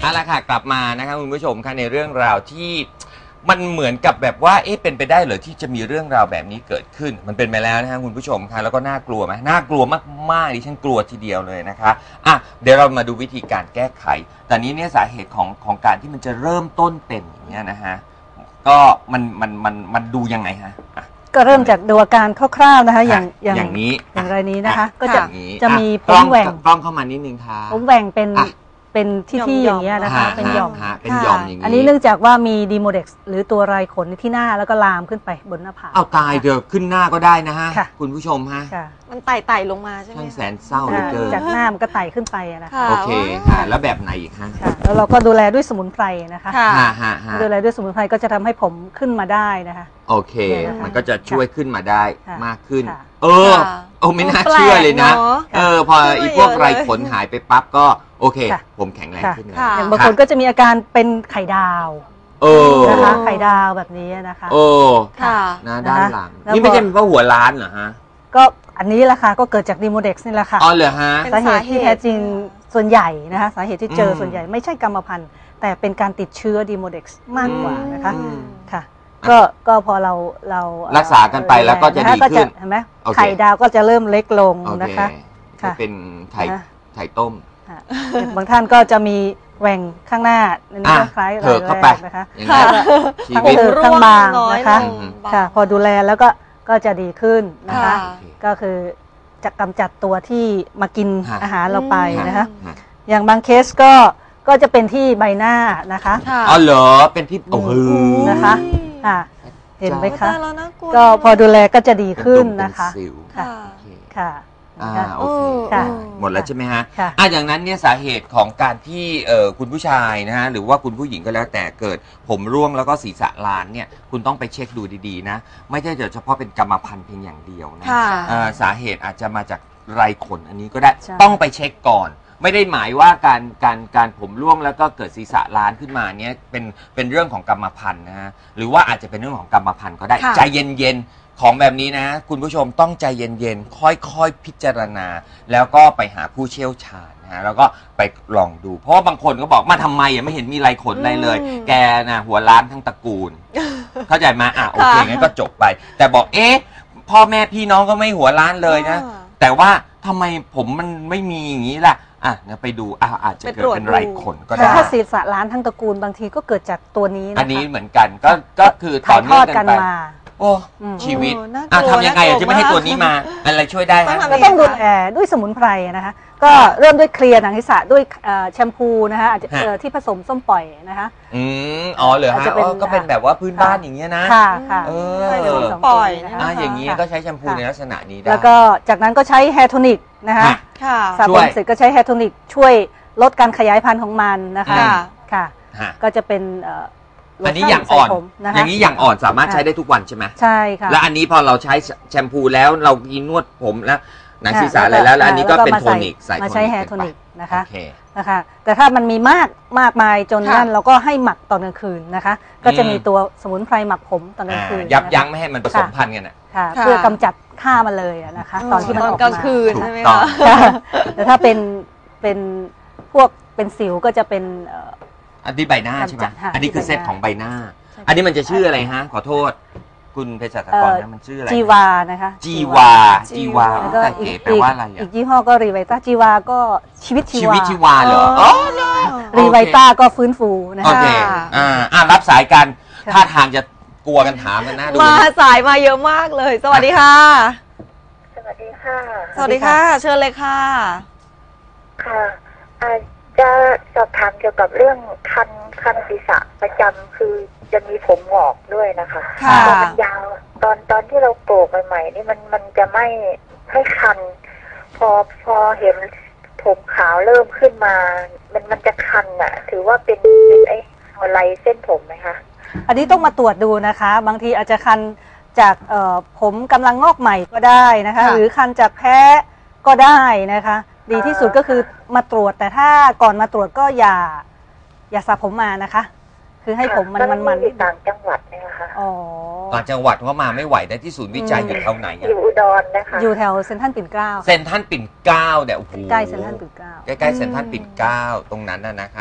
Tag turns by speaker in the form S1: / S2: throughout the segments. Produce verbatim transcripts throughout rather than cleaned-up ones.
S1: เอาละค่ะกลับมานะคะคุณผู้ชมค่ะในเรื่องราวที่มันเหมือนกับแบบว่าเอ๊ะเป็นไปได้เหรอที่จะมีเรื่องราวแบบนี้เกิดขึ้นมันเป็นไปแล้วนะคะคุณผู้ชมค่ะแล้วก็น่ากลัวไหมน่ากลัวมากๆดิฉันกลัวทีเดียวเลยนะคะอ่ะเดี๋ยวเรามาดูวิธีการแก้ไขแต่นี้เนี่ยสาเหตุของของการที่มันจะเริ่มต้นเป็นอย่างเงี้ยนะฮะก็มันมันมันมันดูยังไงฮะ
S2: ก็เริ่มจากดูอาการคร่าวๆนะคะอย่าง
S1: อย่างนี้
S2: อย่างไรนี้นะคะก็จะจะมีผ
S1: กล้
S2: มแหว่ง
S1: กล้องเข้ามานิดนึงค่ะ
S2: ผมแหว่งเป็นเป็นที่ๆอย่างเงี้ยนะคะเป็นหย่อม
S1: เป็นหย่อมอย่างนี้
S2: อันนี้เนื่องจากว่ามีดีโมเด็กซ์หรือตัวไรขนที่หน้าแล้วก็ลามขึ้นไปบนหน้าผาก
S1: เอาตายเดี๋ยวขึ้นหน้าก็ได้นะฮะคุณผู้ชมฮะ
S3: มันไต่ไต่ลงมาใช่ไหม
S1: ช่างแสนเศร้าเหลือเกิน
S2: จากหน้ามันก็ไต่ขึ้นไปนะคะ
S1: โอเคค่ะแล้วแบบไหนอีกฮะ
S2: แล้วเราก็ดูแลด้วยสมุนไพรนะคะดูแลด้วยสมุนไพรก็จะทำให้ผมขึ้นมาได้นะคะ
S1: โอเคมันก็จะช่วยขึ้นมาได้มากขึ้นเออโอ้ไม่น่าเชื่อเลยนะเออพออีพวกไรขนหายไปปั๊บก็โอเคผมแข็งแรงขึ้นเลย
S2: อย่างบางคนก็จะมีอาการเป็นไข่ดาว
S1: เออ
S2: นะคะไข่ดาวแบบนี้นะคะ
S1: โอ้ค่ะหน้าด้านหลังนี่ไม่ใช่เพราะหัวล้านเหรอฮะ
S2: ก็อันนี้แหละค่ะก็เกิดจากดีโมเด็กซ์นี่แหละค่ะ
S1: อ๋อเหรอฮะ
S2: สาเหตุที่แท้จริงส่วนใหญ่นะคะสาเหตุที่เจอส่วนใหญ่ไม่ใช่กรรมพันธุ์แต่เป็นการติดเชื้อดีโมเด็กซ์มากกว่านะคะค่ะก็ก็พอเราเรา
S1: รักษากันไปแล้วก็จะดีขึ้น
S2: เห็นไหมไข่ดาวก็จะเริ่มเล็กลงนะคะ
S1: ค่ะเป็นไข่ไข่ต้ม
S2: บางท่านก็จะมีแหว่งข้างหน้าอันนี้ก็คล้าย
S1: รอยแรก
S2: นะคะทั้งเถิกทั้งบางนะคะค่ะพอดูแลแล้วก็ก็จะดีขึ้นนะคะก็คือจะกำจัดตัวที่มากินอาหารเราไปนะคะอย่างบางเคสก็ก็จะเป็นที่ใบหน้านะคะ
S1: อ๋อเหรอเป็นที่โอ้โห
S2: นะคะค่ะเห็นไหมคะก็พอดูแลก็จะดีขึ้นนะคะค่ะค่ะ
S1: อ่าโอเคหมดแล้วใช่ไหมฮะอ่ะอย่างนั้นเนี่ยสาเหตุของการที่เอ่อคุณผู้ชายนะฮะหรือว่าคุณผู้หญิงก็แล้วแต่เกิดผมร่วงแล้วก็ศีรษะล้านเนี่ยคุณต้องไปเช็คดูดีๆนะไม่ใช่เฉพาะเป็นกรรมพันธุ์เพียงอย่างเดียวนะสาเหตุอาจจะมาจากไรขนอันนี้ก็ได้ต้องไปเช็คก่อนไม่ได้หมายว่าการการการผมร่วงแล้วก็เกิดศีรษะล้านขึ้นมาเนี่ยเป็นเป็นเรื่องของกรรมพันธุ์นะฮะหรือว่าอาจจะเป็นเรื่องของกรรมพันธุ์ก็ได้ใจเย็นๆของแบบนี้นะคุณผู้ชมต้องใจเย็นๆค่อยๆพิจารณาแล้วก็ไปหาผู้เชี่ยวชาญนะฮะแล้วก็ไปลองดูเพราะว่าบางคนก็บอกมาทำไมอ่ะไม่เห็นมีไรขนอะไรเลยแกนะหัวล้านทั้งตระกูลเข้าใจไหมอ่ะโอเคงั้นก็จบไปแต่บอกเอ๊ะพ่อแม่พี่น้องก็ไม่หัวล้านเลยนะแต่ว่าทำไมผมมันไม่มีอย่างนี้ล่ะอ่ะงั้นไปดูอ่ะอาจจะเกิดเป็นไรขนก็ได้
S2: ถ้าศีรษะล้านทั้งตระกูลบางทีก็เกิดจากตัวนี้นะคะ
S1: อันนี้เหมือนกันก็ก็คือต่อเนื่องกันไปโอ้ชีวิตอ่ะทำยังไงจะไม่ให้ตัวนี้มาอะไรช่วยได้ฮะ
S2: ก็ต้องดูแลด้วยสมุนไพรนะคะก็เริ่มด้วยเคลียร์หนังศีรษะด้วยแชมพูนะคะอาจจะที่ผสมส้มปล่อยนะคะ
S1: อืมอ๋อเหรอฮะก็เป็นแบบว่าพื้นบ้านอย่างเงี้ยนะ
S2: ค่ะค่ะ
S1: เออ
S3: ปล่อย
S1: อ่ะอย่างงี้ก็ใช้แชมพูในลักษณะนี้ได้
S2: แล้วก็จากนั้นก็ใช้แฮร์โทนิกนะคะสระผมเสร็จก็ใช้แฮร์โทนิกช่วยลดการขยายพันธุ์ของมันนะคะค่ะก็จะเป็น
S1: อันนี้อย่างอ่อนอย่างนี้อย่างอ่อนสามารถใช้ได้ทุกวันใช่ไหม
S2: ใช่ค่ะ
S1: แล้วอันนี้พอเราใช้แชมพูแล้วเรากินนวดผมแล้วหนังศีรษะอะไรแล้วแล้วอันนี้ก็เป็นโทนิกใส่
S2: มาใช้แฮร์โทนิกนะคะนะคะแต่ถ้ามันมีมากมากมายจนนั่นเราก็ให้หมักตอนกลางคืนนะคะก็จะมีตัวสมุนไพรหมักผมตอนกลางคืน
S1: ยับยั้งไม่ให้มันผสมพันธุ์กันอ่ะ
S2: เพื่อกำจัดฆ่ามันเลยนะคะตอนที่มันออกมาก
S3: ลางคืนใช่ไหมคะ
S2: แต่ถ้าเป็นเป็นพวกเป็นสิวก็จะเป็น
S1: อันนี้ใบหน้าใช่ไหมอันนี้คือเซตของใบหน้าอันนี้มันจะชื่ออะไรฮะขอโทษคุณเภสัชกรนะมันชื่ออะไร
S2: จีวานะคะ
S1: จีวาจีวาแต่เก๋แปลว่าอะไร
S2: อีกยี่ห้อก็รีไวต้าจีวาก็ชีวิตชีวา
S1: ชีวิตชีวาเหรออ๋อ
S2: รีไวต้าก็ฟื้นฟูนะคะ
S1: โอเคอ่าอ่ารับสายกันท่าทางจะกลัวกันถามกันนะ
S3: มาสายมาเยอะมากเลยสวัสดีค่ะ
S4: สวัสดีค่ะ
S3: สวัสดีค่ะเชิญเลยค่ะ
S4: ค่ะจะสอบถามเกี่ยวกับเรื่องคันคันศีรษะประจำคือจะมีผมหงอกด้วยนะคะตอนมันยาวตอนตอนที่เราโกกใหม่ๆนี่มันมันจะไม่ให้คันพอพอเห็นผมขาวเริ่มขึ้นมามันมันจะคันอ่ะถือว่าเป็นเป็นไอ้อะไรเส้นผมไหมคะ
S2: อันนี้ต้องมาตรวจดูนะคะบางทีอาจจะคันจากผมกำลังงอกใหม่ก็ได้นะคะหรือคันจากแพ้ก็ได้นะคะดีที่สุดก็คือมาตรวจแต่ถ้าก่อนมาตรวจก็อย่าอย่าสระผมมานะคะคือให้ผมมันมันมัน
S4: ต่างจังหวัดนะคะ
S2: อ๋อ
S1: ต่างจังหวัดก็มาไม่ไหวได้ที่ศูนย์วิจัยอยู่แถวไหน
S4: อยู่อุดรนะคะ
S2: อยู่แถวเซ็นทรัลปิ่นเกล้า
S1: เซ็นทรัลปิ่นเกล้าเนี่ยโอ้โห
S2: ใกล้เซ็นทรัลปิ่นเกล้า
S1: ใกล้ๆเซ็นทรัลปิ่นเกล้าตรงนั้นน่ะนะคะ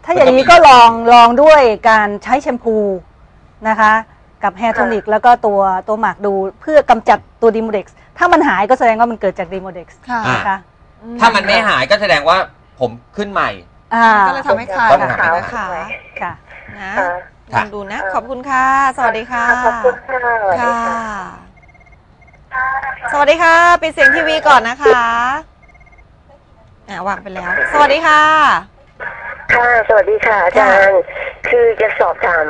S2: ถ้าอย่างนี้ก็ลองลองด้วยการใช้แชมพูนะคะกับแฮร์โทนิกแล้วก็ตัวตัวหมักดูเพื่อกำจัดตัวดีโมเด็กซ์ถ้ามันหายก็แสดงว่ามันเกิดจากดีโมเด็กซ์นะคะ
S1: ถ้ามันไม่หายก็แสดงว่าผมขึ้นใหม่
S3: ก็เลยทำให้ขาด
S1: ต้องหา
S3: ค่ะค่ะนะลองดูนะ ขอบคุณค่ะ สวัสดีค่ะ
S4: ขอบคุณค่ะค่ะ
S3: สวัสดีค่ะปิดเสียงทีวีก่อนนะคะอ่าวางไปแล้ว สวัสดีค่ะ
S4: ค่ะสวัสดีค่ะอาจารย์คือจะสอบถาม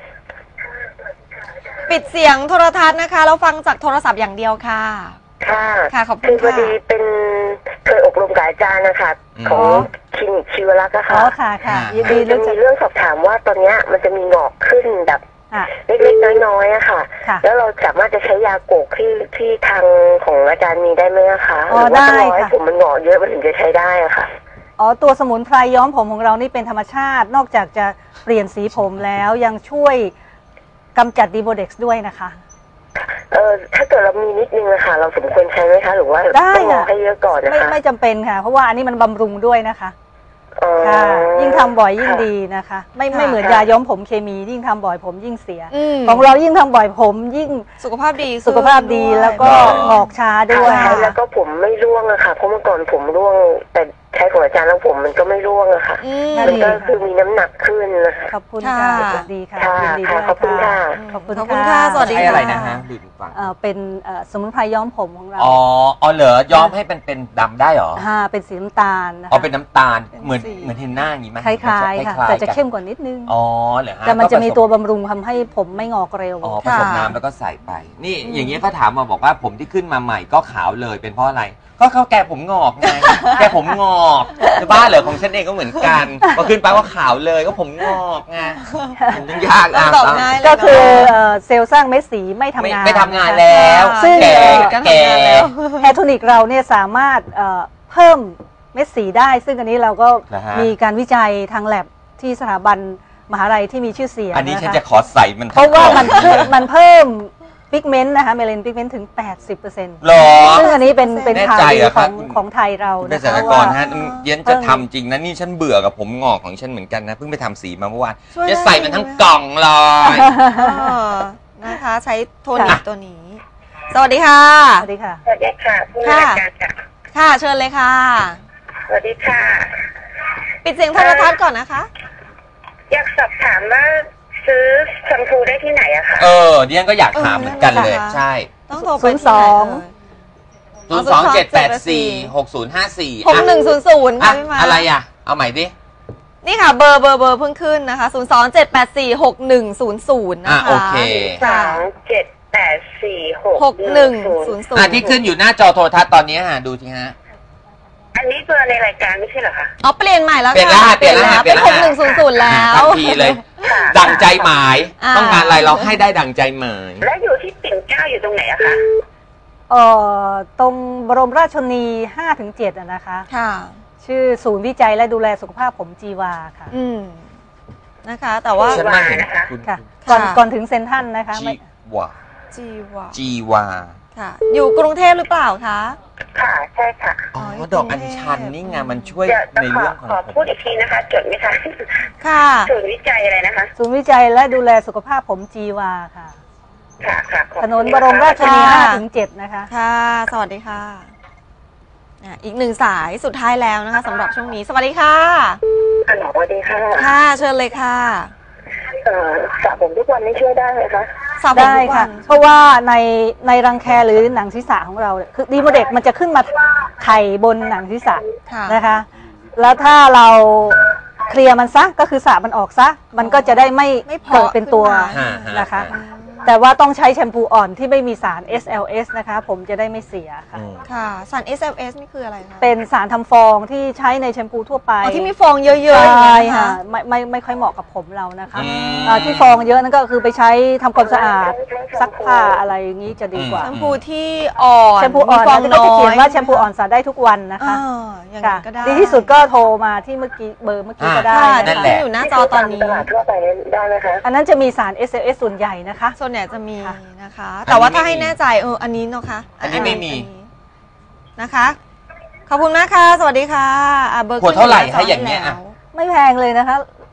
S3: ปิดเสียงโทรทัศน์นะคะแล้วฟังจากโทรศัพท์อย่างเดียวค่ะ
S4: ค่ะ
S3: ค่ะขอบคุณ
S4: คือพอดีเป็นเคยอบรมกับอาจารย์นะคะของคลินิกชีวรักษ์ค่ะ
S2: อ๋อค่ะค่ะยินดี
S4: จะมีเรื่องสอบถามว่าตอนนี้มันจะมีหงอกขึ้นแบบเล็กๆน้อยๆอะค่ะแล้วเราสามารถจะใช้ยาโกกที่ที่ทางของอาจารย์มีได้ไหมคะหรือว่าต้องรอให้ผมมันหงอกเยอะมันถึงจะใช้ได้อะค่ะ
S2: อ๋อตัวสมุนไพรย้อมผมของเรานี่เป็นธรรมชาตินอกจากจะเปลี่ยนสีผมแล้วยังช่วยกำจัดดีโมเด็กซ์ด้วยนะคะ
S4: เออถ้าเกิดเรามีนิดนึงนะคะเราสมควรใช้ไหมคะหรือว่าต้องรอให้เยอะก่อนนะคะ
S2: ไม่ไม่จำเป็นค่ะเพราะว่าอันนี้มันบำรุงด้วยนะคะค่ะยิ่งทำบ่อยยิ่งดีนะคะไม่ไม่เหมือนยาย้อมผมเคมียิ่งทำบ่อยผมยิ่งเสียของเรายิ่งทำบ่อยผมยิ่ง
S3: สุขภาพดี
S2: สุขภาพดีแล้วก็หงอกช้าด้วย
S4: แล้วก็ผมไม่ร่วงอะค่ะเพราะเมื่อก่อนผมร่วงแต่ใช้ของอาจารย์แล้วผมมันก็ไม่ร่วงอะค่ะมันก็คือมีน้ำหนักขึ้นนะคะ
S2: ขอบคุณค่ะดีค่ะยินดีด้วย
S4: ขอบคุณค่ะ
S2: ขอบคุณค่ะ
S3: สวัสดีค่ะ
S1: อะไรนะฮะดูฟัง
S2: เป็นสมุนไพรย้อมผมของเรา
S1: อ๋ออ๋อเหรอย้อมให้เป็นเป็นดำได้เหรอ
S2: ค่ะเป็นสีน้ำตาล
S1: อ๋อเป็นน้ำตาลเหมือนเหมือนเฮนน่าอย่างนี้ไหม
S2: คล้ายๆค่ะแต่จะเข้มกว่านิดนึง
S1: อ๋อเหรอฮะ
S2: แต่มันจะมีตัวบำรุงทำให้ผมไม่งอกเร็ว
S1: อ๋อผสมน้ำแล้วก็ใส่ไปนี่อย่างเงี้ยเขาถามมาบอกว่าผมที่ขึ้นมาใหม่ก็ขาวเลยเป็นเพราะอะไรก็เขาแกผมงอกไงแกผมงอกจะบ้าเหรอของฉันเองก็เหมือนกันพอขึ้นไปว่าขาวเลยก็ผมงอกไงมันต้องยากอ่ะ
S2: ก็คือเซลล์สร้างเม็ดสีไม่ทำงาน
S1: ไม่ทำงานแล้ว
S2: ซึ่ง
S1: แกแก
S2: แฮร์โทนิกเราเนี่ยสามารถเพิ่มเม็ดสีได้ซึ่งอันนี้เราก็มีการวิจัยทางแลบที่สถาบันมหาลัยที่มีชื่อเสียง
S1: อันนี้ฉันจะขอใส่มัน
S2: เพราะว่ามันมันเพิ่มพิกเมนต์นะคะเมลานินพิกเมนต์ถึง แปดสิบเปอร์เซ็นต์
S1: หรอ
S2: ซึ่งอันนี้เป็นเป็นข่าวดีของของไทยเรา
S1: เกษตรกรฮะเย็นจะทำจริงนะนี่ฉันเบื่อกับผมงอกของฉันเหมือนกันนะเพิ่งไปทำสีมาเมื่อวานจะใส่มันทั้งกล่องเลย
S3: นะคะใช้โทนิกตัวนี้สวัสดีค่ะ
S2: สวัสดีค่ะ
S4: สวัสดีค่ะ
S3: ค่ะค่ะเชิญเลยค่ะ
S4: สวัสดีค่ะ
S3: ปิดเสียงโทรทัศน์ก่อนนะคะ
S4: อยากสอบถามว่าซื้อแชมพูได้ที่ไหนอะคะ
S1: เออเดียนก็อยากถามเหมือนกันเลยใช่
S3: ต้องโทรไป
S2: ศูนย์สอง
S1: ศูนย์สองเจ็ดแปดสี่หกศูนย์ห้าสี่
S3: หกหนึ่งศูนย์ศูนย์ค่ะพี่มา
S1: อะไรอ่ะเอาใหม่ดิ
S3: นี่ค่ะเบอร์เบอร์เบอร์เพิ่งขึ้นนะคะศูนย์สองเจ็ดแปดสี่หกหนึ่งศูนย์ศูนย์นะคะ
S1: โอเค
S4: สองเจ็ดแปดสี่
S3: หกหนึ่งศูนย์ศูนย์
S1: ที่ขึ้นอยู่หน้าจอโทรทัศน์ตอนนี้ฮะดูทีฮะ
S4: อันนี้เบอร์ในรายการไม่ใช่เหรอคะ
S3: อ๋อเปลี่ยนใหม่แล้ว
S1: เปลี่ยนแล้วเปลี่ยนแล้ว
S3: เป็นหกหนึ่งศูนย์ศูนย์แล้ว
S1: ทันทีเลยดังใจหมายต้องการอะไรเราให้ได้ดังใจหมาย
S4: แล้วอยู่ที่ปิ่นเกล้าอยู่ตรงไหนอะคะ
S2: เอ่อตรงบรมราชชนนี ห้าถึงเจ็ด อะนะคะ
S3: ค่ะ
S2: ชื่อศูนย์วิจัยและดูแลสุขภาพผมจีวาค่ะ
S3: อืมนะคะแต่ว่า
S4: จีวานะคะ
S2: ค่ะก่อนก่อนถึงเซ็นทรัลนะคะ
S1: จีวา
S3: จีวา
S1: จีวา
S3: ค่ะอยู่กรุงเทพหรือเปล่าคะ
S4: ค่ะใช่ค่ะ
S1: อ๋อดอกอัญชันนี่ไงมันช่วยในเรื่องของ
S4: ขอพูดอีกทีนะคะจดไหมคะ
S3: ค่ะ
S4: ศูนย์วิจัยอะไรนะคะ
S2: ศูนย์วิจัยและดูแลสุขภาพผมจีวาค่ะ
S4: ค่ะค่ะ
S2: ถนนบรมราชชนนี ห้าถึงเจ็ด นะคะ
S3: ค่ะสวัสดีค่ะอีกหนึ่งสายสุดท้ายแล้วนะคะสำหรับช่วงนี้สวัสดีค่ะ
S4: ฮัลโหลสวัสดีค่ะ
S3: ค่ะเชิญเลยค่ะ
S4: เอ่อสระผมทุกวันนี้ช่วยได้ไหมคะ
S2: ได้ค่ะเพราะว่าในในรังแคหรือหนังศีรษะของเราคือดีโมเด็กมันจะขึ้นมาไข่บนหนังศีรษะนะคะแล้วถ้าเราเคลียร์มันซะก็คือสระมันออกซะมันก็จะได้ไม่เกิดเป็นตัวนะคะแต่ว่าต้องใช้แชมพูอ่อนที่ไม่มีสาร เอส แอล เอส นะคะผมจะได้ไม่เสียค่ะ
S3: ค่ะสาร เอส แอล เอส นี่คืออะไรคะ
S2: เป็นสารทำฟองที่ใช้ในแชมพูทั่วไป
S3: ที่มีฟองเยอะๆ
S2: ใช่ค่ะไม่ไม่ไม่ค่อยเหมาะกับผมเรานะคะที่ฟองเยอะนั่นก็คือไปใช้ทำความสะอาดซักผ้าอะไรอย่างนี้จะดีกว่า
S3: แชมพูที่อ่อน
S2: แชมพูอ่อนก็จะเขียนว่าแชมพูอ่อนสระได้ทุกวันนะคะดีที่สุดก็โทรมาที่เมื่อกี้เบอร์เมื่อกี้ก็ได้
S1: นั่นแหละ
S3: อยู่หน้าจอตอนนี้
S4: ทั่วไปได้ไหมคะ
S2: อันนั้นจะมีสาร เอส แอล เอส ส่วนใหญ่นะคะ
S3: ส่วนใหญ่จะมีนะคะแต่ว่าถ้าให้แน่ใจเอออันนี้เนาะคะ
S1: อันนี้ไม่มี
S3: นะคะขอบคุณมากค่ะสวัสดีค่ะ
S1: เบอร์ขวดเท่าไหร่คะอย่างเงี้ย
S2: ไม่แพงเลยนะคะ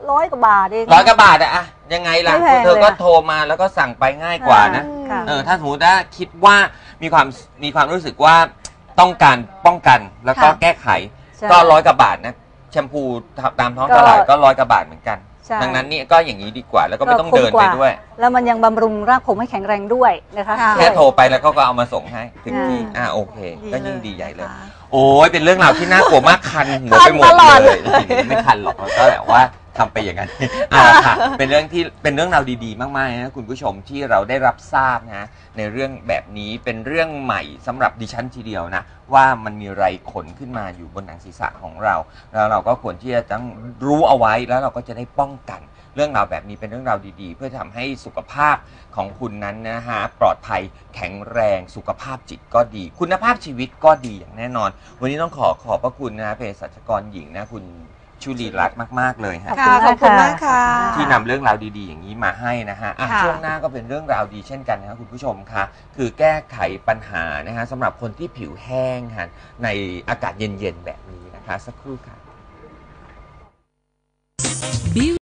S2: ร้อยกว่าบาทเอง
S1: ร้อยกว่าบาทอะอะยังไงล่ะ
S2: ไม่แพง
S1: เธอก็
S2: เลยอะ
S1: โทรมาแล้วก็สั่งไปง่ายกว่านะ
S2: ค่ะ
S1: เออถ้าสมมติว่าคิดว่ามีความมีความรู้สึกว่าต้องการป้องกันแล้วก็
S3: ค่ะ
S1: แก้ไข
S2: ใช่
S1: ก็ร้อยกว่าบาทนะแชมพูตามท้องตลาดก็ร้อยกว่าบาทเหมือนกัน
S2: ใช่
S1: ดังนั้นนี่ก็อย่างนี้ดีกว่า แล้วก็ไม่ต้อง
S2: คุ้
S1: เดิน
S2: ก
S1: ไปด้วย
S2: แล้วมันยังบำรุงรากผมให้แข็งแรงด้วยนะคะ
S3: ค่ะ
S1: แค่โทรไปแล้วก็ก็เอามาส่งให้ถึงที่
S2: อืม
S1: อ่าโอเค ก็ยิ่งดีใหญ่เลย
S3: นะคะ
S1: โอ้ยเป็นเรื่องราวที่น่ากลัวมากคันหัว
S3: คั
S1: ไป
S3: น
S1: หมด
S3: ตลอด
S1: เล
S3: เลย ย
S1: จริงๆไม่คันหรอกก็แบบว่าทำไปอย่างนั้นอ่าค่ะเป็นเรื่องที่เป็นเรื่องราวดีๆมากๆนะคุณผู้ชมที่เราได้รับทราบนะในเรื่องแบบนี้เป็นเรื่องใหม่สำหรับดิฉันทีเดียวนะว่ามันมีไรขนขึ้นมาอยู่บนหนังศีรษะของเราแล้วเราก็ควรที่จะต้องรู้เอาไว้แล้วเราก็จะได้ป้องกัน เรื่องราวแบบนี้เป็นเรื่องราวดีๆ เพื่อทำให้สุขภาพของคุณนั้นนะฮะปลอดภัยแข็งแรงสุขภาพจิตก็ดี คุณภาพชีวิตก็ดีอย่างแน่นอน วันนี้ต้องขอขอบพระคุณนะเภสัชกรหญิงนะคุณชุลีรัตน์มากๆเลยฮะ
S3: ค่ะขอบคุณมากค่ะ
S1: ที่นำเรื่องราวดีๆ อย่างนี้มาให้นะฮะอ่ะ
S3: ค่ะ
S1: ช่วงหน้าก็เป็นเรื่องราวดีเช่นกันนะครับคุณผู้ชมค่ะคือแก้ไขปัญหานะฮะสำหรับคนที่ผิวแห้งฮะในอากาศเย็นๆแบบนี้นะคะสักครู่ค่ะ